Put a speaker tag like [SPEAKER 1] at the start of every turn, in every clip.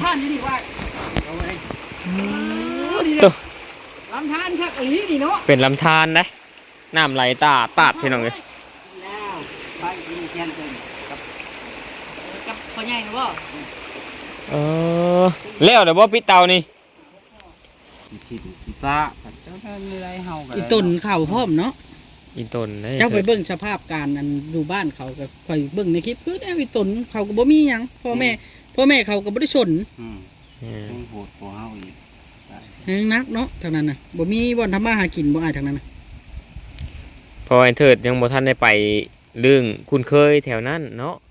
[SPEAKER 1] านอยู่นี่ว่าเอาไว้ลำธารครับอันนี้นี่เนาะ
[SPEAKER 2] เป็นลำธารนะน้ำไหลตาดพี่น้องเลย
[SPEAKER 1] แล้วไปกินแกงเป็นกับพ่อใหญ่นะบ่
[SPEAKER 2] แล้วเดี๋ยวบ่ปิดเตานี่
[SPEAKER 1] ขี้ฟ้าเจ้าท่านมีไรเฮากันอีต้นเข่าพร้อมเนาะ
[SPEAKER 2] อีต้น
[SPEAKER 1] เจ้าไปเบิ่งสภาพการอันอยู่บ้านเขาก็ค่อยเบิ่งในคลิปคือแนวอีต้นเขาก็บ่มีหยังพ่อแม่เขาก็บ่ได้สน
[SPEAKER 3] โหดกว่าเฮาอีก
[SPEAKER 1] นักเนาะทางนั้นน่ะบ่มีบ่อนทำมาหากินบ่อายทางนั้นน่ะ
[SPEAKER 2] พอไอ้เถิดยังบ่ทันได้ไปเรื่องคุ้นเคยแถวนั้นเนาะ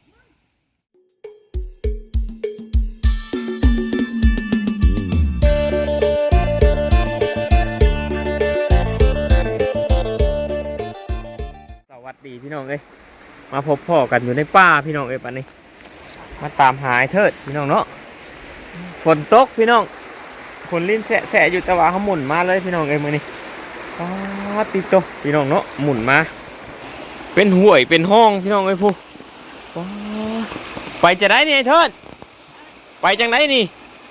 [SPEAKER 2] สวัสดีพี่น้องเอ้ยมาพบพ่อกันอยู่ในป่าพี่น้องเอ้ยป่านนี้มาตามหาไอ้เถิดพี่น้องเนาะฝนตกพี่น้องคนลิ้นแสะอยู่แต่ว่าเขาหมุนมาเลยพี่น้องเอ้ยมื้อนี้ติดโตพี่น้องเนาะหมุนมาเป็นห่วยเป็นห้องพี่น้องเอ้ยผู้ไปจะได้นี่ไอ้เถิดไปจังไดนี่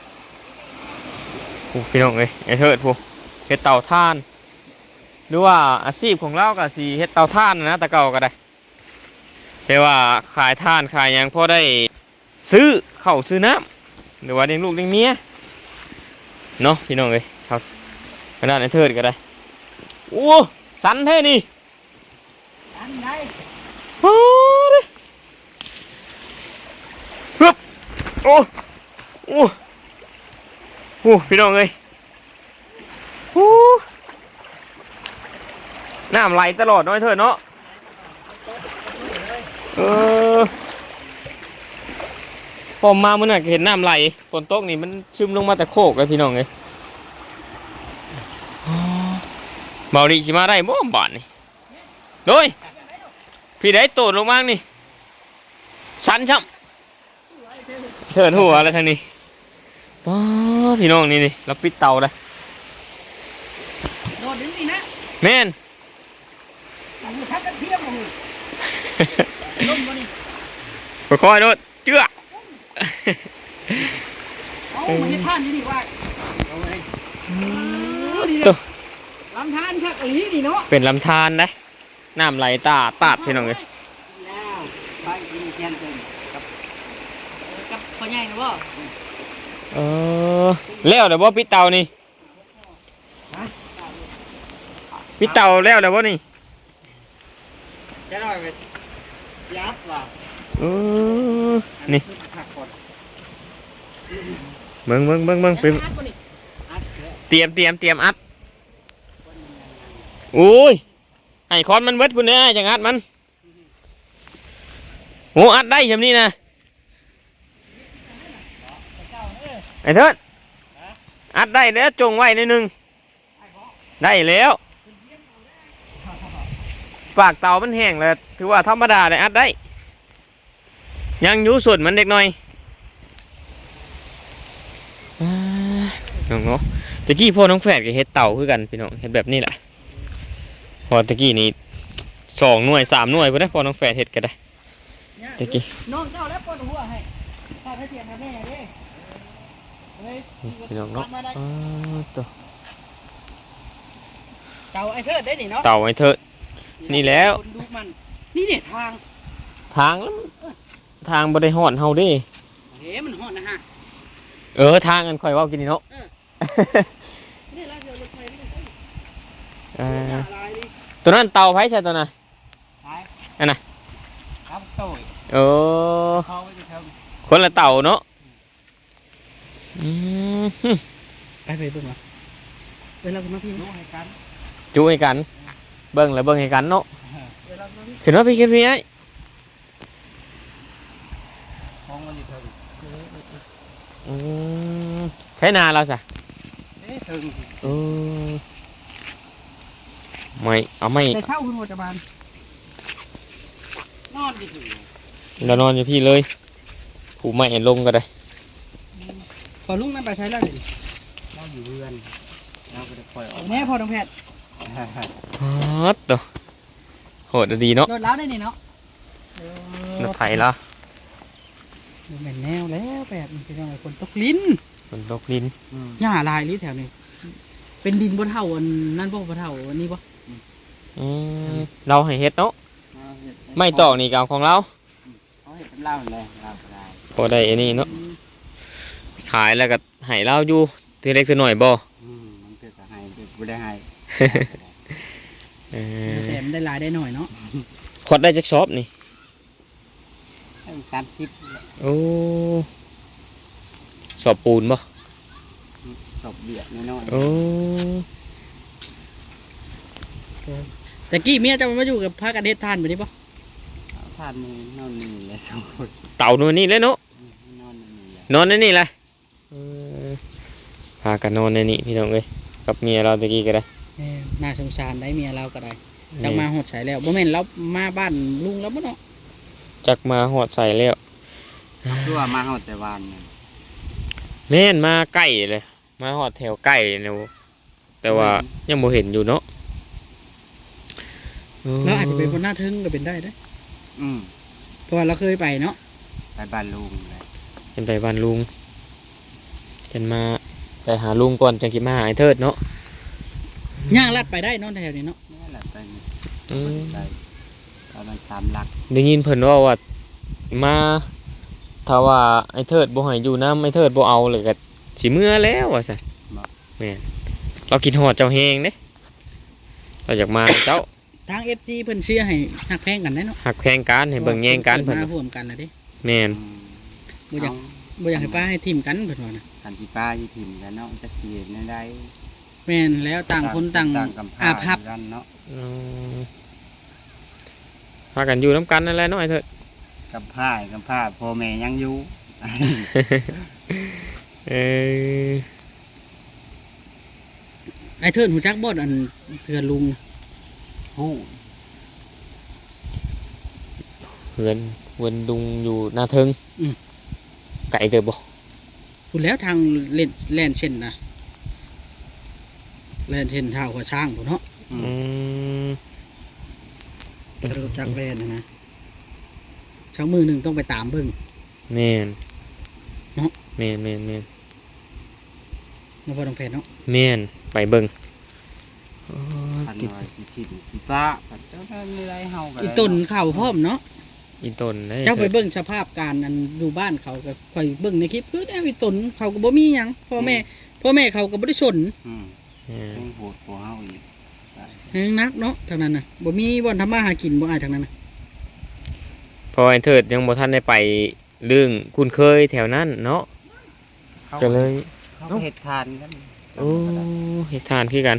[SPEAKER 2] พี่น้องเอ้ยไอ้เถิดผู้เฮ็ดเตาถ่านหรือว่าอาชีพของเราก็สิเฮ็ดเตาถ่านนะตะเก่าก็ได้แต่ว่าขายถ่านขายยังพอได้ซื้อข้าวซื้อน้ำหรือว่าเลี้ยงลูกเลี้ยงเมียเนาะพี่น้องเอ้ยครับขนาดไอ้เถิดก็ได้โอ้สันแท้นี่
[SPEAKER 1] สันได้
[SPEAKER 2] โอ้ดิฮึบโอ้โอ้โอ้พี่น้องเอ้ยโอ้น้ำไหลตลอดน้อยเถิดเนาะพอมาเมื่อไหร่เห็นน้ำไหลฝนตกนี่มันซึมลงมาแต่โคกเลยพี่น้องเลยเบาดีสิมาได้บ่บาทนี่โดยพี่ได้โตดลงมานี่สันช่ำเถิดหัวอะไรทางนี้ป้าพี่น้องนี่เราปิดเตาเลย
[SPEAKER 1] โดดดึงนี่นะ
[SPEAKER 2] แม่น
[SPEAKER 1] ชักกันเทียมมาเลยล้มมานี่
[SPEAKER 2] ค่อยๆโดดเจื้อ
[SPEAKER 1] เอามันจะท่านอยู่นี่ว่าเอาไว้ลำธารครับอันนี้นี่เนาะ
[SPEAKER 2] เป็นลำธารนะน้ำไหลตาดพี่น้องเลย
[SPEAKER 1] แล้วไปกินแกงเป็นกับพ่อใหญ่นะบ่
[SPEAKER 2] แล้วเดี๋ยวบ่ปิดเตานี่ปิดเตาแล้วเดี๋ยวบ่นี่
[SPEAKER 1] จะหน่อยไปยับว่ะ
[SPEAKER 2] นี่เบิ่งเป็นเตรียมอัดโอ้ยไอ้คอนมันเวทพุ่นเนี่ยจังอัดมันโอ้อัดได้แบบนี้นะไอ้เถิดอัดได้แล้วจงไว้ในหนึ่งได้แล้วปากเตามันแห้งแล้วถือว่าธรรมดาเลยอัดได้ยังอยู่ส่วนมันเด็กหน่อยน้องเนาะตะกี้พ่อน้องแฝดกับเฮ็ดเต่าคือกันพี่น้องเฮ็ดแบบนี้แหละพอตะกี้นี้2 หน่วย 3 หน่วยพอได้พอน้องแฝดเฮ็ดก็ได้ตะกี้
[SPEAKER 1] น้องเจ้าแล้วปนหัวให้ข้าให้เตียนแม่เด้
[SPEAKER 2] พี่น้องเนาะตัว
[SPEAKER 1] เต่าไอ้เถิดได้นี่เนาะ
[SPEAKER 2] เต่าไอ้เถิดนี่แล้ว
[SPEAKER 1] นี่เนี่ย
[SPEAKER 2] ทางบริหารเฮาดิ
[SPEAKER 1] มันหอนนะฮะ
[SPEAKER 2] ทางกันค่อยว่ากินนี่เนาะตัวนั้นเต่าไผ่ใช่ตัวน่ะอันน่ะคนละเต่าเนาะ
[SPEAKER 1] ไปเบิ่งมาเวลาคุณมาพี่จูให้
[SPEAKER 2] กันเบิ่งแล้วเบิ่งให้กันเนาะขึ้นว่าพี่ไอ้ใช้นาเราสิไม่เอาไม่
[SPEAKER 1] เข้าคุณโมจบาลนอนดิ
[SPEAKER 2] เรานอนอยู่พี่เลยผูไม่เห็นลงก็ได้
[SPEAKER 1] พอลุงนั่นไปใช้แล้วดิเราอยู่เรือนเราก็จะปล่อยออกแม่พอน้องแพทย์
[SPEAKER 2] ตัวโหดดีเนาะ
[SPEAKER 1] รถล้าได้นี่เนาะ
[SPEAKER 2] รถไถละ
[SPEAKER 1] บ่แม่นแนวแล้วแบบนี้พี่น้องคนตกลิ้น
[SPEAKER 2] มันตกดิน
[SPEAKER 1] หญ้าลายหรือแถวนี้เป็นดินบ่เท่าอันนั้นบ่เท่าอันนี้บ่
[SPEAKER 2] อืมเราให้เฮ็ดเนาะไม่ตอกนี่ก็เอาของเรา
[SPEAKER 3] เขาเห็ดเล่าเลยเล่าได้
[SPEAKER 2] พอได้อันนี้เนาะขายแล้วก็ให้เราอยู่ทีเล็กทีน้อยบ่
[SPEAKER 3] มันเกิดจะให้เกิดไม่ได้ให้
[SPEAKER 2] เออ
[SPEAKER 1] แถมได้หลายได้หน่อยเนาะ
[SPEAKER 2] ขวดได้จักซอบนี่
[SPEAKER 3] ให้การคิด
[SPEAKER 2] โอ้สอบปูนบ่
[SPEAKER 3] ศพเบียดน้อย
[SPEAKER 2] โอ้
[SPEAKER 1] แต่กี้เมียเจะมาอยู่กับพากันเฮ็ดทานแบบนี้บ่
[SPEAKER 3] ท่านนี่นอนนี่เลยสองคน
[SPEAKER 2] เต่านู่นนี่เลยเนาะ
[SPEAKER 3] นอนนี่เลย
[SPEAKER 2] นอนในนี่เลยเออพากันนอนในนี่พี่น้องเอ้ยกับเมียเราตะกี้ก็ได้
[SPEAKER 1] น่าสงสารได้เมียเราก็ได้จักมาหดใส่แล้วบ่แม่นเรามาบ้านลุงแล้วบ่เนาะ
[SPEAKER 2] จักมาหอดใส่แล้ว
[SPEAKER 3] คือว่ามาเอาแต่วันเนี่ย
[SPEAKER 2] แม่นมาใกล้เลยมาหอดแถวใกล้เนาะแต่ว่ายังบ่เห็นอยู่เนาะ
[SPEAKER 1] เราอาจจะเป็นคนหน้าทึ่งก็เป็นได้เด้อ
[SPEAKER 3] อืม
[SPEAKER 1] เพราะว่าเราเคยไปเนาะ
[SPEAKER 3] ไปบ้านลุงเลย
[SPEAKER 2] เป็นไปบ้านลุงฉันมาไปหาลุงก่อนจังสิมาหาไอ้เทิดเนาะ
[SPEAKER 1] ย่างลัดไปได้เนาะแถวนี้เนาะ
[SPEAKER 3] นี่แหละไป
[SPEAKER 2] อืม
[SPEAKER 3] ไปตอนนั้น3 หลัก
[SPEAKER 2] ได้ยินเพิ่นว่ามาถ้าว่าไอ้เทิดบ่ให้อยู่นำไอ้เทิดบ่เอาเลยก็สิเมื่อแล้วว่าซั่นแม่นเราคิดฮอดเจ้าแฮงเด้เราอยากมาเจ้า
[SPEAKER 1] ทาง FG เพิ่นเชียร์ให้หักแพงกันได้เนาะ
[SPEAKER 2] หักแพงกันให้เบิ่งแย่งกันเพิ่น
[SPEAKER 1] มาร่วมกันแล้วเด้
[SPEAKER 2] แม่น
[SPEAKER 1] บ่อยากบ่อยากให้ป้าให้ทีมกันเพิ่นว่านะ
[SPEAKER 3] กันที่ป้าอยู่ถิ่นกันเนาะจะเสียในใด
[SPEAKER 1] แม่นแล้วต่างคนต่าง
[SPEAKER 3] กำพ
[SPEAKER 1] อาภัพ
[SPEAKER 3] กันเนาะ
[SPEAKER 2] อืมพากันอยู่นํกันนั่นแหละเนาะไอ้เทิด
[SPEAKER 3] กำผ้าพ่อแม่ยังอยู่
[SPEAKER 2] เออ
[SPEAKER 1] ไอ้เทิดหูจักบ่อันเพื่อนลุง
[SPEAKER 3] ฮู้
[SPEAKER 2] เฮือนเวินดุงอยู่หน้าเทิงไก่เกิดบ่
[SPEAKER 1] พูดแล้วทางเล่นแล่นเช่นนะแล่นเช่นเท้าหัวช้างพุ่นเนาะ
[SPEAKER 2] อืม
[SPEAKER 1] รู้จักแล่นนะช้างมือหนึงต้องไปตามเบิ่ง
[SPEAKER 2] แม่น
[SPEAKER 1] เนาะ
[SPEAKER 2] แม่นแม่นแม่น
[SPEAKER 1] มาพอต้องแพนเนาะ
[SPEAKER 2] แม่นไปเบิ่ง
[SPEAKER 3] พันหน่อยสิถิ่นสิป้าพันเจ้าได้มีไรเฮากัน
[SPEAKER 1] อีต้นเข่าพร้อมเนาะ
[SPEAKER 2] อีต้นได้
[SPEAKER 1] เจ้าไปเบิ่งสภาพการอันอยู่บ้านเขาก็ค่อยเบิ่งในคลิปคือแนวอีต้นเขาก็บ่มีหยังพ่อแม่เขาก็บ่ได้สน
[SPEAKER 3] อืม
[SPEAKER 2] แม่น
[SPEAKER 3] เพิ่งโหดกว่าเฮาอีก
[SPEAKER 1] ยังนักเนาะทางนั้นน่ะบ่มีบ่อนทำมาหากินบ่อายทางนั้นน่ะ
[SPEAKER 2] พอไอ้เทิดยังบ่ทันได้ไปเรื่องคุ้นเคยแถวนั้นเนาะ
[SPEAKER 3] เขา
[SPEAKER 2] ก็เลย
[SPEAKER 3] เขาเฮ็ดทานกัน
[SPEAKER 2] โอ้เฮ็ดทานคือกัน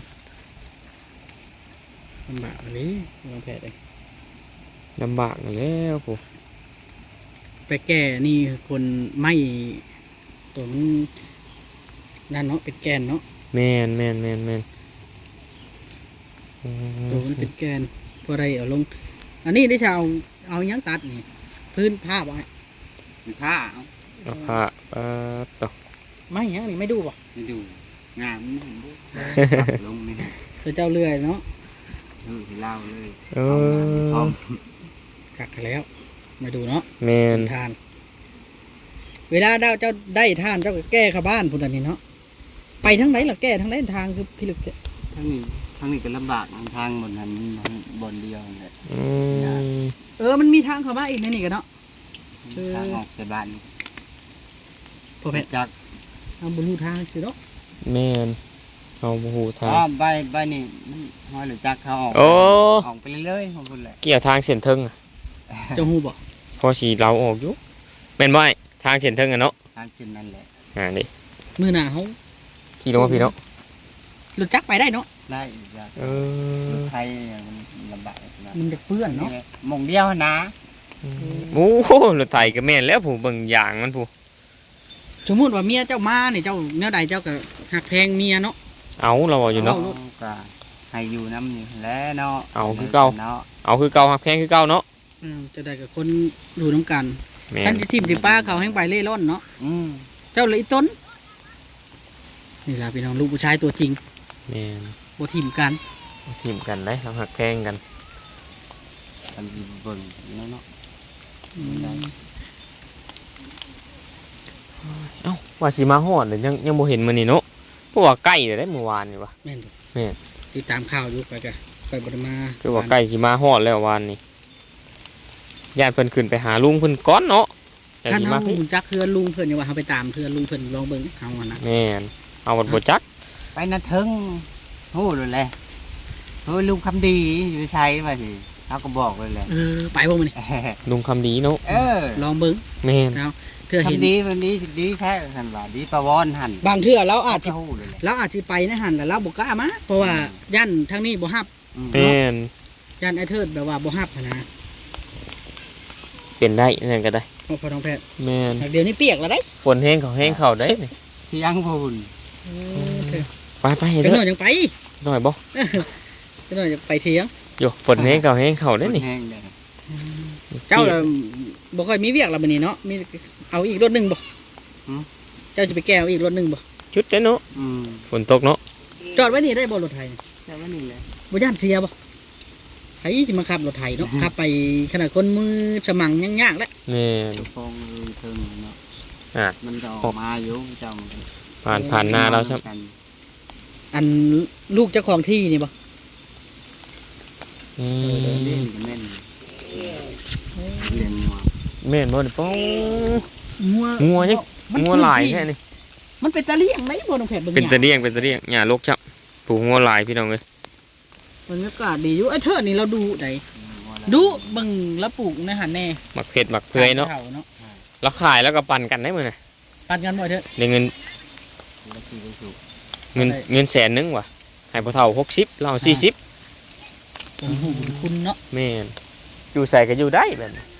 [SPEAKER 1] ลำบากอันนี้ลองแพทย์เอง
[SPEAKER 2] ลำบากนั่นแหล้วผู้
[SPEAKER 1] ไปแก่นี่คนไม่ตัวมันนั่นเนาะเป็นแกนเนาะ
[SPEAKER 2] แม่นแม่นแม่นแม่นอืม
[SPEAKER 1] ตัวมันเป็นแกนพอได้เอาลง อันนี้ได้ชาวเอาหยังตัดนี่พื้นผ้าไว้
[SPEAKER 3] มีผ้าเอา
[SPEAKER 2] เอาผ้าปั๊บต่อ
[SPEAKER 1] ไม่หยังนี่ไม่ดูป่ะ
[SPEAKER 3] ไม่ดูงามนี่เห็นบ่ลงนี่นะ
[SPEAKER 1] เจ้าเลื่อยเนาะ
[SPEAKER 3] ให้เล่าเลย
[SPEAKER 2] เอ
[SPEAKER 3] พร้อ
[SPEAKER 2] อ
[SPEAKER 3] ม
[SPEAKER 1] กักแล้วมาดูเนาะ
[SPEAKER 2] แม่น
[SPEAKER 1] ทาน เวลาเจ้าได้ทานเจ้าก็แก้เข้าบ้านพุ่นอันนี้เนาะไปทั้งไหนล่ะแก้ทั้งไหนทางคือพิลึกเนี่ย
[SPEAKER 3] ทั้งนี้ก็ลำบากทางบนนั้นบนเดียวเลย
[SPEAKER 2] อืม
[SPEAKER 1] มันมีทางเข้ามาอีกในนี่กันเนาะ
[SPEAKER 3] ทางออกใส่บ้าน
[SPEAKER 1] พอแพทย์
[SPEAKER 3] จาก
[SPEAKER 1] เอาบนรูทางคือเนาะ
[SPEAKER 2] แม่นเอาหูทาง
[SPEAKER 3] ใบนี่มันห้อยหรือจักเขาออก
[SPEAKER 2] โอ้
[SPEAKER 3] ออกไปเรื่อยๆของคุณแหละ
[SPEAKER 2] เกี่ยวทางเส้นเทิงอะ
[SPEAKER 1] เจ้าฮู้บ่
[SPEAKER 2] พอสีเราออกอยู่แม่นบ่ไอ้ทางเส้นเทิงอะเนาะ
[SPEAKER 3] ทางกินนั่นแหละ
[SPEAKER 2] นี่
[SPEAKER 1] มื้อหน้าเฮา
[SPEAKER 2] พี่ลงมาพี่เนาะ
[SPEAKER 1] รู้จักไปได้เนาะ
[SPEAKER 3] ได้อีกอย่าง
[SPEAKER 2] เออ
[SPEAKER 3] ไทยมันลำบากนะ
[SPEAKER 1] มันจะเปื้อนเนาะ
[SPEAKER 3] หมองเดียวนะ
[SPEAKER 2] โอ้โหรถไถก็แม่นแล้วผู้เบิ่งอย่างมันผู้
[SPEAKER 1] สมมุติว่าเมียเจ้ามาเนี่ยเจ้าแนวใดเจ้าก็หักแพงเมียเนาะ
[SPEAKER 2] เอาเราเอาอยู่เนาะ
[SPEAKER 3] ก็ให้อยู่น้ำอยู่แล้วเนาะ
[SPEAKER 2] เอาคือเก่า
[SPEAKER 3] เนาะ
[SPEAKER 2] เอาคือเก่าหักแพงคือเก่าเนาะ
[SPEAKER 1] จะได้กับคนดูน้ำกัน
[SPEAKER 2] แม่
[SPEAKER 1] ท่าน
[SPEAKER 2] น
[SPEAKER 1] ที่ทีมที่ป้าเขาให้ไปเล่ร่อนเนาะ
[SPEAKER 3] อืม
[SPEAKER 1] เจ้าเลยต้นนี่ล่ะพี่น้องลูกผู้ชายตัวจริง
[SPEAKER 2] แม่น
[SPEAKER 1] บ่ทีมกัน
[SPEAKER 2] ทีมกันได้เราหักแพงกัน
[SPEAKER 3] กันอยู่เบิ่งเนาะ
[SPEAKER 1] อืม
[SPEAKER 2] เอ้าว่าสิมาฮอดเลยยังบ่เห็นมื้อนี้เนาะเพราะว่าใกล้แล้วได้เมื่อวานนี่วะ
[SPEAKER 1] แม่นบ่
[SPEAKER 2] แม่น
[SPEAKER 1] ติดตามข่าวอยู่ไปกะไปบ่ได้มา
[SPEAKER 2] คือว่าใกล้สิมาฮอดแล้ววานนี้ญาติเพิ่นขึ้นไปหาลุงเพิ่นก่อนเนาะแต่
[SPEAKER 1] ท่าน
[SPEAKER 2] สิ
[SPEAKER 1] เฮา
[SPEAKER 2] มาพี่
[SPEAKER 1] จักเพื่อนลุงเพิ่นอย่าว่าเฮาไปตามเพื่อนลุงเพิ่นลองเบิ่งเฮาอะนะ
[SPEAKER 2] แม่นเอาบัดบ่จัก
[SPEAKER 3] ไปนะถึงโหเลยแหละโอ้ยลุงคำดีอยู่ใช้มาสิเขาก็บอกเลยแหละ
[SPEAKER 1] ไปบ่มื้อนี้
[SPEAKER 2] ลุงคำดีเนาะ
[SPEAKER 3] เออ
[SPEAKER 1] ลองเบิ่ง
[SPEAKER 2] แม่น
[SPEAKER 1] เอาเทื่อเห็น
[SPEAKER 3] คำดีวันนี้ดีแท้กันว่าดีประวอนหัน
[SPEAKER 1] บางเทื่อเราอาจสิ
[SPEAKER 3] โหเลยแหละ
[SPEAKER 1] เราอาจสิไปในหันแต่เราบ่กล้ามาเพราะว่าย่านทางนี้บ่ฮับ
[SPEAKER 2] แม่น
[SPEAKER 1] ย่านไอ้เทิดแบบว่าบ่ฮับหั้นนะ
[SPEAKER 2] เป็นได้นั่นก็ได้
[SPEAKER 1] เพราะพอน้องแพทย์
[SPEAKER 2] แม่น
[SPEAKER 1] เดี๋ยวนี้เปียกแล้วได้
[SPEAKER 2] ฝนแห้งเข้าได้นี่
[SPEAKER 3] เที่ยงพูน
[SPEAKER 1] เถิด
[SPEAKER 2] ไป
[SPEAKER 1] จั
[SPEAKER 2] เด้
[SPEAKER 1] งห
[SPEAKER 2] อ
[SPEAKER 1] น่อยยังไป
[SPEAKER 2] หน่อยบ่
[SPEAKER 1] จังหน่อยจะไปเที่ยง
[SPEAKER 2] อยู่ฝนแห้งเข้าได้นี่
[SPEAKER 3] แห้งเลย
[SPEAKER 1] เจ้าน่ะบ่ค่อยมีเวียกแล้วบัดนี้เนาะมีเอาอีกรถหนึงบ่เจ้าจะไปแก้เอาอีกรถหนึงบ่
[SPEAKER 2] ชุดเด้อเนาะ
[SPEAKER 3] อืม
[SPEAKER 2] ฝนตกเนาะ
[SPEAKER 1] จอดไว้นี่ได้บ่รถไถนี่
[SPEAKER 3] แต่ว่านี่แหละ
[SPEAKER 1] บ่ย่านเสียบ่ไผสิมาขับรถไถเนาะขับไปขนาดคนมือสมังยังยากแล้ว
[SPEAKER 2] แม่น
[SPEAKER 3] ฟองถึงเนาะ
[SPEAKER 2] อ่ะ
[SPEAKER 3] มันจะออกมาอยู่จำ
[SPEAKER 2] ผ่านหน้าเราใช่
[SPEAKER 1] อันลูกเจ้าของที่นี่บ่
[SPEAKER 2] อื
[SPEAKER 3] เล่
[SPEAKER 2] ม
[SPEAKER 3] นแม่นเลี้ยงงัว
[SPEAKER 2] แม่นบ่นี่ป้อง
[SPEAKER 1] งัว
[SPEAKER 2] งัวยัง
[SPEAKER 1] มัน
[SPEAKER 2] งัวหลายแท้นี่
[SPEAKER 1] มันเป็นตะเลี่ยงไหมบ่น้องแพทย์เบิ่ง
[SPEAKER 2] เป็น
[SPEAKER 1] ห
[SPEAKER 2] ตะ
[SPEAKER 1] ยัง
[SPEAKER 2] เลี่ยงหญ้าลกจับผูกงัวหลายพี่น้องเอ้ย
[SPEAKER 1] บรรยากาศดีอยู่ไอ้เทิดนี่เราดูได้ดูเบิ่งแล้วปลูกในหันแน่
[SPEAKER 2] หมักเผ็ดหมักเปื่อยเนาะ
[SPEAKER 1] เนาะ
[SPEAKER 2] แล้วขายแล้วก็ปั่นกันได้มื้อน่ะ
[SPEAKER 1] ปันกันบ่เถอะ
[SPEAKER 2] ได้เงิน
[SPEAKER 3] แล้วคือไปสู่
[SPEAKER 2] เงินแสนนึงว่ะให้พ่อเฒ่า60เรา40
[SPEAKER 1] ผมหูคุณเนาะ
[SPEAKER 2] แม่นอยู่ใส่ก็อยู่ได้แบบนี้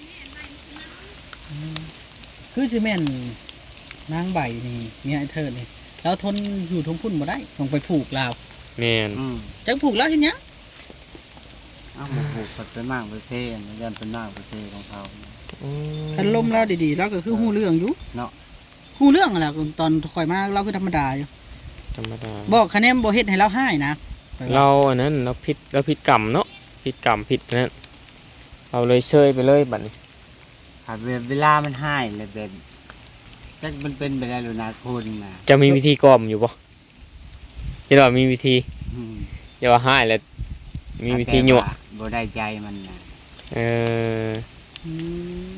[SPEAKER 1] คือสิแม่นนางใบนี่เมียไอ้เทิดนี่เราทนอยู่ทงพุ่นบ่ได้ต้องไปผูกลาว
[SPEAKER 2] แม่น
[SPEAKER 1] จักผูกแล้วเฮ็ดหยัง
[SPEAKER 3] อ้าวหมูผูกเป็นมากประเทศมันยันเป็นมากประเทศของเขา
[SPEAKER 1] คันลมแล้วดีๆแล้วก็คือฮู้เรื่องอยู่
[SPEAKER 3] เนาะ
[SPEAKER 1] ฮู้เรื่องนั่นแหละตอนข่อยมาเราคือธรรมดาอยู่
[SPEAKER 2] ธรรมดา
[SPEAKER 1] บอกคะแนนบ่เฮ็ดให้เราให้นะ
[SPEAKER 2] เราอันนั้นเราผิดกรรมเนาะผิดกรรมผิดนั่นเราเลยเชยไปเลยบัดนี้
[SPEAKER 3] หาเวลามันให้เลยแบบก็มันเป็นไปได้หรือนาคนนะ
[SPEAKER 2] จะมีวิธีกล่อมอยู่บ่จะว่ามีวิธี
[SPEAKER 3] อืม
[SPEAKER 2] อย่าว่าให้แล้วมีวิธีหยั่ว
[SPEAKER 3] บ่ได้ใจมันนะ
[SPEAKER 2] เออ
[SPEAKER 1] อืม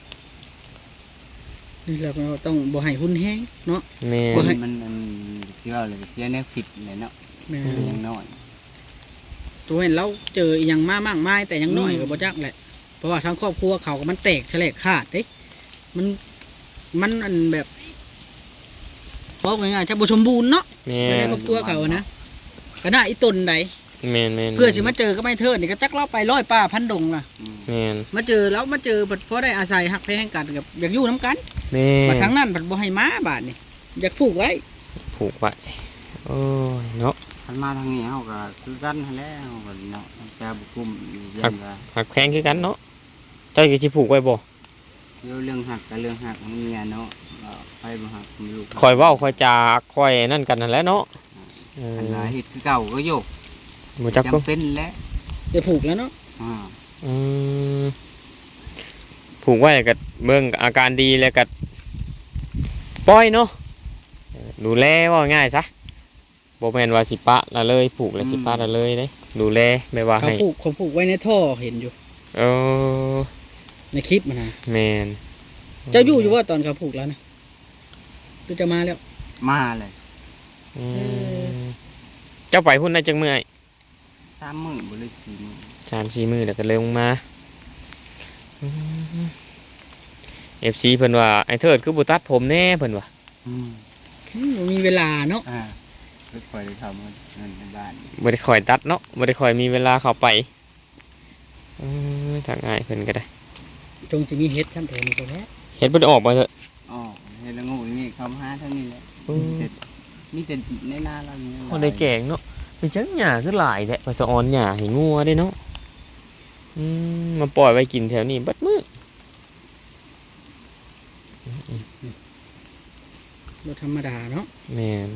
[SPEAKER 1] นี่แหละเราต้องบ่ให้หุ้นแห้งเนาะ
[SPEAKER 2] แม่
[SPEAKER 1] บ่
[SPEAKER 2] น
[SPEAKER 1] ให้
[SPEAKER 3] มันเชื่อเลยเชื่อแนวผิดเลยเนาะ
[SPEAKER 1] แม่
[SPEAKER 3] เป็นยังน้อย
[SPEAKER 1] ตัวเห็นเราเจออีหยังมามากมายแต่ยังน้อย
[SPEAKER 3] อืม
[SPEAKER 1] ก็บ่จักแหละเพราะว่าทั้งครอบครัวเขาก็มันแตกแฉลกขาดเด้มันอันแบบบอกง่ายๆถ้าบ่สมบูรณ์เนาะ
[SPEAKER 2] แม่
[SPEAKER 1] ไม่ได้
[SPEAKER 2] น
[SPEAKER 1] ครอบครัวเขานะก็น่าอีตนใด
[SPEAKER 2] แม่นแม่น
[SPEAKER 1] เพื่อสิมาเจอก็ไม่เทิดนี่ก็จักเราไปร้อยป่าพันดงล่ะ
[SPEAKER 3] อืม
[SPEAKER 2] แม่น
[SPEAKER 1] มาเจอแล้วมาเจอเพราะได้อาศัยหักแพงกันกับอยากอยู่น้ำกัน
[SPEAKER 2] แม่
[SPEAKER 1] มาน ทั้งนั้นผัดบ่ให้ม้าบาทนี่อยากผูกไว้
[SPEAKER 2] ผูกไว้โอ้ยเนาะ
[SPEAKER 3] คันมาทางนี้เขาก็คือกันหั้นแหล้วเขาก็เนาะจะบุกุมเย็นว่า
[SPEAKER 2] หักแพงคือกันเนาะเจ้าสิผูกไว้บ่
[SPEAKER 3] เรื่องหักกับเรื่องหักมันเมียเนาะไปบ่หักมันลูก
[SPEAKER 2] คอยเว้าคอยจาคอยนั่นกันนั่นแหละเนาะเอ
[SPEAKER 3] อัน
[SPEAKER 2] อ
[SPEAKER 3] ว่าเฮ็ดคือเก่าก็โยก
[SPEAKER 2] บ่จักก็
[SPEAKER 3] จำเป็นแล้ว
[SPEAKER 1] จะผูกแล้วเนาะ
[SPEAKER 3] อ่า
[SPEAKER 2] อืมผูกไว้ก็เบิ่งอาการดีแล้วก็ปล่อยเนาะดูแลว่าง่ายซะบ่แม่นว่าสิปะละเลยผูกแล้วสิปะละเลยเด้ดูแลไม่ว่า
[SPEAKER 1] เขา
[SPEAKER 2] ให้
[SPEAKER 1] ผูกไว้ในท่อเห็นอยู่
[SPEAKER 2] เออ
[SPEAKER 1] ในคลิปมันนะ
[SPEAKER 2] แม่น
[SPEAKER 1] เจ้าอยู่ว่าตอนเขาผูกแล้วนะตัวจะมาแล้ว
[SPEAKER 3] มาเลย
[SPEAKER 2] อืมเจ้าไปพุ่นได้จังเมื่อย
[SPEAKER 3] 3 มื้อบ่เลย4 มื้อ
[SPEAKER 2] 3-4มื้อแล้วก็เลยลงมาFC เพิ่นว่าไอ้เทิดคือบ่ตัดผมแน่เพิ่นว่า
[SPEAKER 1] บ่มีเวลาเนาะ
[SPEAKER 3] ไม่ค่อยได้ทำเงินในบ้าน
[SPEAKER 2] บ่ได้คอยตัดเนาะบ่ได้คอยมีเวลาเข้าไปทางง่ายเพิ่นก็ได้
[SPEAKER 1] จงสิมีเฮ็ดขั้นโถนี่ก็แล้ว
[SPEAKER 2] เฮ็ดบ่ได้ออกมาเถอะ
[SPEAKER 3] อ๋อเฮ็ดละงูนี่เขามาหาเท่านี้แหละมีแต่ในนาเรานี่
[SPEAKER 2] บ่ได้แกงเนาะเป็นจังหญ้าคือหลายแท้ว่าสะออนหญ้าให้งัวได้เนาะมาปล่อยไว้กินแถวนี้เบิดมื้อ
[SPEAKER 1] บ่ธรรมดาเนาะ
[SPEAKER 2] แม่น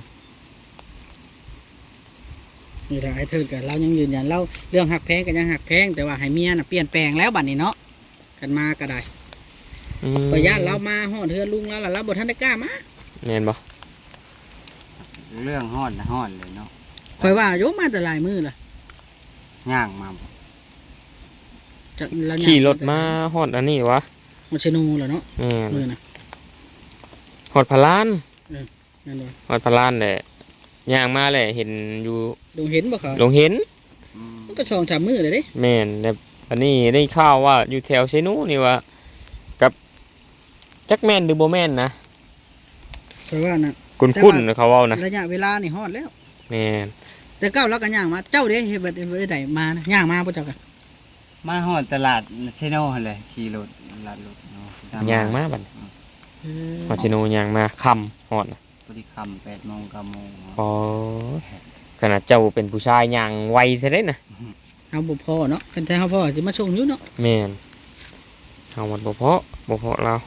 [SPEAKER 1] นี่แหละไอ้เทิดกับเรายังยืนยันเราเรื่องหักแพงกันยังหักแพงแต่ว่าให้เมียน่ะเปลี่ยนแปลงแล้วบัดนี้เนาะกันมาก็ได้พญาติเรามาฮอดเฮือนลุงแล้วล่ะเราบ่ทันได้กล้ามา
[SPEAKER 2] แม่นบ่
[SPEAKER 3] เรื่องฮอดนะฮอดเลยเนาะ
[SPEAKER 1] ข่อยว่าโยมมาแต่หลายมื้อล่ะ
[SPEAKER 3] ย่างมา
[SPEAKER 1] จะเราย่ง
[SPEAKER 2] ขี่รถมาฮอดอันนี้วะ
[SPEAKER 1] ฮอดชะนูล่ะเนาะ
[SPEAKER 2] แม่น
[SPEAKER 1] มื้อน่ะ
[SPEAKER 2] ฮอดพะลาน
[SPEAKER 1] นั่นว่า
[SPEAKER 2] ฮอดพะลานแหละย่างมาแหละเห็นอยู่
[SPEAKER 1] ลุงเห็นบ่เขา
[SPEAKER 2] ลงเห็น
[SPEAKER 1] มันก็2-3มื้อเลยเด้
[SPEAKER 2] แม่นแต่อันนี้ได้ข่าวว่าอยู่แถวเซนูนี่ว่ากับจักแม่นหรือบ่แม่นนะ
[SPEAKER 1] ข่อยว่าน่ะ
[SPEAKER 2] คุ้นๆเขาเว้านะ
[SPEAKER 1] ระยะเวลานี่ฮอดแล้ว
[SPEAKER 2] แม่น
[SPEAKER 1] แต่เก้าเราก็ย่างมาเจ้าเด้เฮ็ดบ่ได้มานะย่างมาบ่เจ้าก็
[SPEAKER 3] มาฮอดตลาดเชโน่เลยขี่รถตลาดรถเนาะ
[SPEAKER 2] ย่างมาบัดฮอดซิโนย่างมาค่ำฮอดนะ
[SPEAKER 3] พอดีค่ำ8 โมง 9 โมง
[SPEAKER 2] อ๋อขนาดเจ้าเป็นผู้ชายย่างไวซะเด้นะ
[SPEAKER 1] เอาบ่พอเนาะคันใจเฮาพอสิมาส่งอยู่เนาะ
[SPEAKER 2] แม่นเฮามันบ่เพาะเรา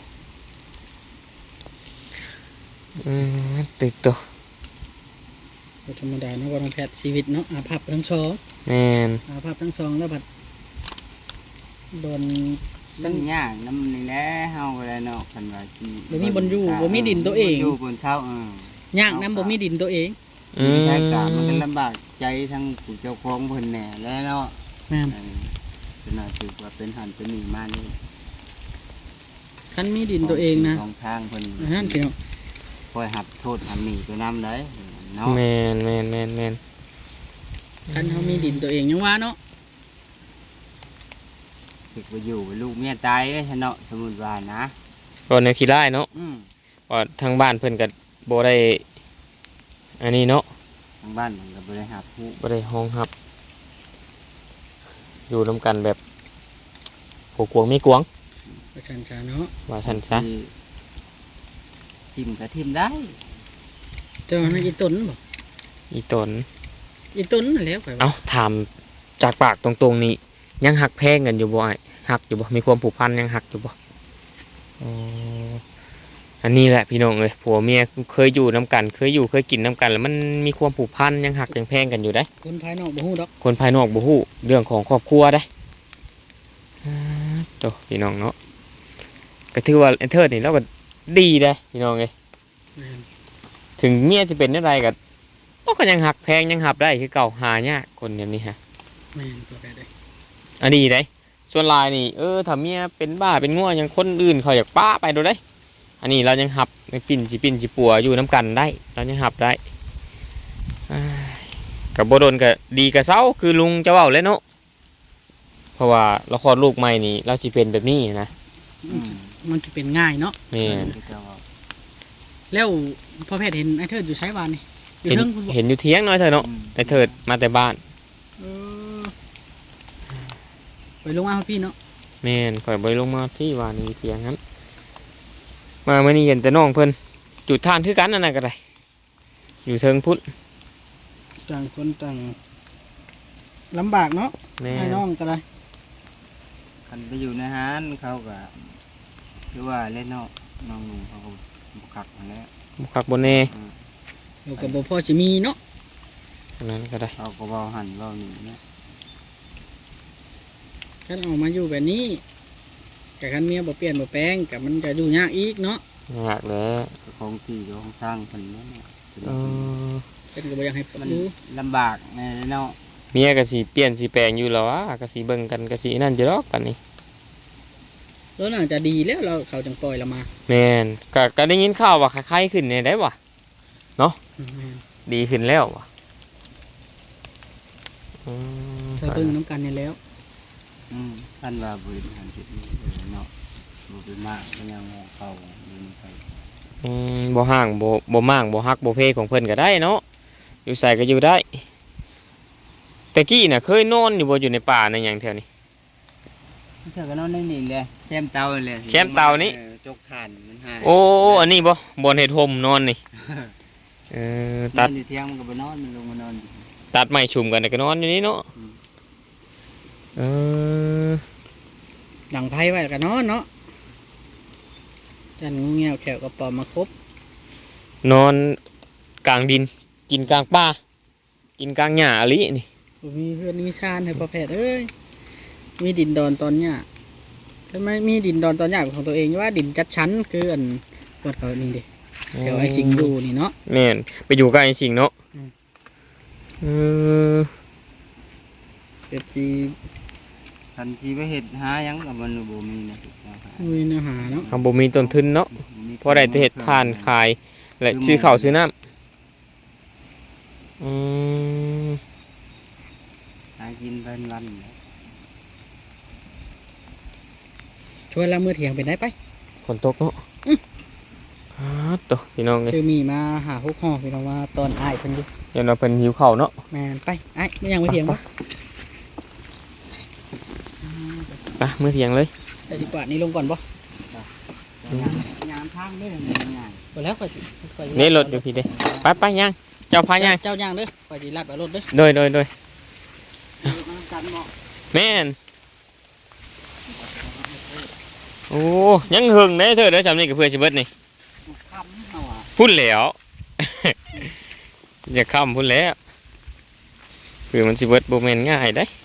[SPEAKER 2] ติดตัว
[SPEAKER 1] บ่ธรรมดาเนาะว่าน้องแพทย์ชีวิตเนาะอาภัพทั้งสอง
[SPEAKER 2] แม่น
[SPEAKER 1] อาภัพทั้งสองแล้วบัดโดน
[SPEAKER 3] มันย่างน้ำนี่แหละเฮาก็ได้เนาะคันว่าสิ
[SPEAKER 1] บ่มีบ่อนอยู่บ่มีดินตัวเอง
[SPEAKER 3] อยู่บนเช้า
[SPEAKER 1] ย่างน้ำบ่มีดินตัวเอง
[SPEAKER 3] ใช้กามันก็ลำบากใจทั้งผู้เจ้าของเพิ่นแหน่แล้วเนาะ
[SPEAKER 1] แม่น
[SPEAKER 3] เป็นน่าถือว่าเป็นหันเป็นนี่มานี่
[SPEAKER 1] คันมีดินตัวเองนะ
[SPEAKER 3] ของทางเพิ่น
[SPEAKER 1] นั่นพี่น้อง
[SPEAKER 3] คอยหับโทษหับหนีตัวน้ำได้เนาะ
[SPEAKER 2] แม่น
[SPEAKER 1] คันเฮามีดินตัวเองยังว่าเนาะ
[SPEAKER 3] ถึกไปอยู่ลูกเมียตายเอ้ยเนาะสมมุติว่านะ
[SPEAKER 2] ก็แนวขี้ร้ายเนาะ
[SPEAKER 3] อืม
[SPEAKER 2] ว่าทางบ้านเพิ่นก็บ่ได้อันนี้เนาะ
[SPEAKER 3] ทางบ้านมันก็บ่ได้หับผู้
[SPEAKER 2] บ่ได้ห้องรับ อยู่นํกันแบบผัวกวงมีกวง
[SPEAKER 1] ประชันชาเนาะ
[SPEAKER 2] ว่าซั่นซะ
[SPEAKER 3] ที่ทิมก็ทิมได้
[SPEAKER 1] แต่ว่านั่นอีต้นบ่
[SPEAKER 2] อีตน
[SPEAKER 1] อีต้นนั่นแหล้วข่อยว่า
[SPEAKER 2] เอ้าถามจากปากตรงๆนี่ยังหักแพงกันอยู่บ่อ้ายหักอยู่บ่มีความผูกพันยังหักอยู่บ่อ๋ออันนี้แหละพี่น้องเอ้ยผัวเมียเคยอยู่นํกันเคยกินนํกันแล้วมันมีความผูกพันยังหักยังแพงกันอยู่ได้
[SPEAKER 1] คนภายนอกบ่ฮู้ดอก
[SPEAKER 2] คนภายนอกบ่ฮู้เรื่องของครอบครัวได้โตพี่น้องเนาะก็ถือว่าเอนเทอร์นี่เราก็ดีได้พี่น้องเอ้ย
[SPEAKER 1] แม่น
[SPEAKER 2] ถึงเมียจะเป็นอะไรก็ต้องก็ยังหักแพงยังหับได้คือเก่าหายากคนแบบนี้ฮะ
[SPEAKER 1] แม่นตัวใดได้
[SPEAKER 2] อันนี้ได้ส่วนลายนี่ถ้าเมียเป็นบ้าเป็นง่วยังคนอื่นเขาอยากป้าไปดูได้ อันนี้เรายังหับในปิ่นจิปัวอยู่น้ำกันได้ เรายังหับได้กับโบโดนก็ดีกับเศร้าคือลุงจะเว้าเลยเนาะเพราะว่าเราคลอดลูกใหม่นี่เราสิเป็นแบบนี้นะ
[SPEAKER 3] อืม
[SPEAKER 1] มันสิเป็นง่ายเนาะ
[SPEAKER 2] แม่น
[SPEAKER 3] ที่เจ้าว่า
[SPEAKER 1] แล้วพ่อแพทย์เห็นไอ้เทิดอยู่ไสบ้านนี่อยู่
[SPEAKER 2] เห็น
[SPEAKER 1] เทิงพุ่นบ่
[SPEAKER 2] เห็นอยู่เที่ยงน้อยเถอะเนาะ
[SPEAKER 3] อืม
[SPEAKER 2] ไอ้เถิดมาแต่บ้าน
[SPEAKER 1] เออไปลงมาพี่เนาะ
[SPEAKER 2] แม่นข่อยบ่ไปลงมาที่วานอยู่เที่ยงนั้นมาเมื่อนี้เห็นแต่น้องเพิ่นจุดทานคือกันนั่นน่ะก็ได้อยู่เทิงพุทธ
[SPEAKER 1] ต่างคนต่างลำบากเนาะ
[SPEAKER 2] แม่
[SPEAKER 1] ให้น้องก็ได้
[SPEAKER 3] คันไปอยู่ในห้านเขาก็คือว่าเล่นเนาะน้องหนุ่มเขาก็บ่คักมาแล้ว
[SPEAKER 2] บุคักบนเน่
[SPEAKER 1] เราก็บ่พอสิมีเนาะ
[SPEAKER 2] อันนั้นก็ได้
[SPEAKER 3] เขาก็เว้าหันเว้านี่เนี่ย
[SPEAKER 1] คันออกมาอยู่แบบนี้แต่คันเมียบ่เปลี่ยนบ่แปลงก็มันจะอยู่ยากอีกเนาะ
[SPEAKER 2] ยากแล้ว
[SPEAKER 3] ของที่ของทางเพิ่นเนี่ย
[SPEAKER 2] เออ
[SPEAKER 1] เพิ่นก็บ่อยากให้
[SPEAKER 3] มัน
[SPEAKER 1] อยู่
[SPEAKER 3] ลำบากแน่เนาะ
[SPEAKER 2] เมียก็สิเปลี่ยนสิแปลงอยู่แล้ววะก็สิเบิ่งกันก็สินั่นจะดอกปานนี้
[SPEAKER 1] แล้วน่าจะดีแล้วเราเขาจังปล่อยเรามา
[SPEAKER 2] แม่นก็ได้ยินข่าวว่าคล้ายๆขึ้นเนี่ยได้วะ
[SPEAKER 1] อืม
[SPEAKER 2] ดีขึ้นแล้ววะอืม
[SPEAKER 1] ถ้าเบิ่งน้ำกันนี่แล้ว
[SPEAKER 3] ท่านว่าบริหารจิตนี่เนาะบ่เป็นมากก็ยังงอเขาอยู่นี่ไป
[SPEAKER 2] บ่ห่างบ่มั่างบ่ฮักบ่เพของเพิ่นก็ได้เนาะอยู่ใส่ก็อยู่ได้แต่กี้น่ะเคยนอนอยู่บ่อยู่ในป่าในหยังแถวนี้
[SPEAKER 3] เธอก็นอนในนี่แหละแคมเตาเลย
[SPEAKER 2] แคมเตานี่
[SPEAKER 3] จกถ่านมันหาย
[SPEAKER 2] โอ้อันนี้บ่บนเฮ็ดห่มนอนนี่ตัด
[SPEAKER 3] นอนอยู่เที่ยงมันก็ไปนอนมันลงมานอนอยู่
[SPEAKER 2] ตัดไม้ชุมกันก็นอนอยู่นี่เนาะ
[SPEAKER 3] อืม
[SPEAKER 2] เออ
[SPEAKER 1] หลังไพ่ไว้กันเนาะเนาะจันงูเงี้ยวแขวกระป๋อมมาครบ
[SPEAKER 2] นอนกลางดิน กินกลางป่ากินกลางหญ้าอะลินี่
[SPEAKER 1] บ่มีเพื่อนมีชานให้ประเภทเอ้ยมีดินดอนตอนเนี้ยก็ไม่มีดินดอนตอนใหญ่ของตัวเองว่าดินจัดชั้นคืออันกดเขานี่ดิแถวไอ้สิงห์ดูนี่เนาะ
[SPEAKER 2] แม่นไปอยู่กับไอ้สิงเนาะ
[SPEAKER 1] อืม
[SPEAKER 2] เออ
[SPEAKER 1] เกิดจี
[SPEAKER 3] คันที่ไปเฮ็ดหาหยังกับมันบ่มีนะเอาหา
[SPEAKER 1] มีเนื้อหาเนาะ
[SPEAKER 2] ทำบ่มีต้นทุนเนาะ
[SPEAKER 3] บ่มี
[SPEAKER 2] พอได้แต่เฮ็ดทานขาย และซื้อข้าวซื้อน้ำอืม
[SPEAKER 3] หากินเป็นวันแหละ
[SPEAKER 1] ช่วยละมือเถียงเป็นได้ไป
[SPEAKER 2] ฝนตกเนาะตัวพี่น้องเอ้ย
[SPEAKER 1] คือมีมาหาพวกห่อพี่น้องว่าตอนอ้ายเพิ่นอยู่
[SPEAKER 2] เดี๋ยวเราเพิ่นหิวข้าวเนาะ
[SPEAKER 1] แม่นไปไอ้ายไม่ยังมือเถียงปะ
[SPEAKER 2] ไปมื้อเที่ยงเลย
[SPEAKER 1] แต่ดีกว่านี่ลงก่อนปะ
[SPEAKER 3] ยามทางเด้อง่าย
[SPEAKER 1] ไปแล้วก่อนสิก่อนสิ
[SPEAKER 2] นี่รถอยู่พี่เด้ไปไปย่างเจ้าพาย่าง
[SPEAKER 1] เจ้าย่างเด้อก่อนสิลัดไปรถเด้อ
[SPEAKER 2] โดย
[SPEAKER 3] ๆมันกันบ่
[SPEAKER 2] แม่นโอ้ยังหึงเด้เธอเด้อจำนี่กับเพื่อนสิเบิดนี่
[SPEAKER 3] คำเฮาอ่ะ
[SPEAKER 2] พุ่นแล้ว อย่าค้ำพุ่นแล้วคือมันสิเบิดบ่แม่นง่ายได้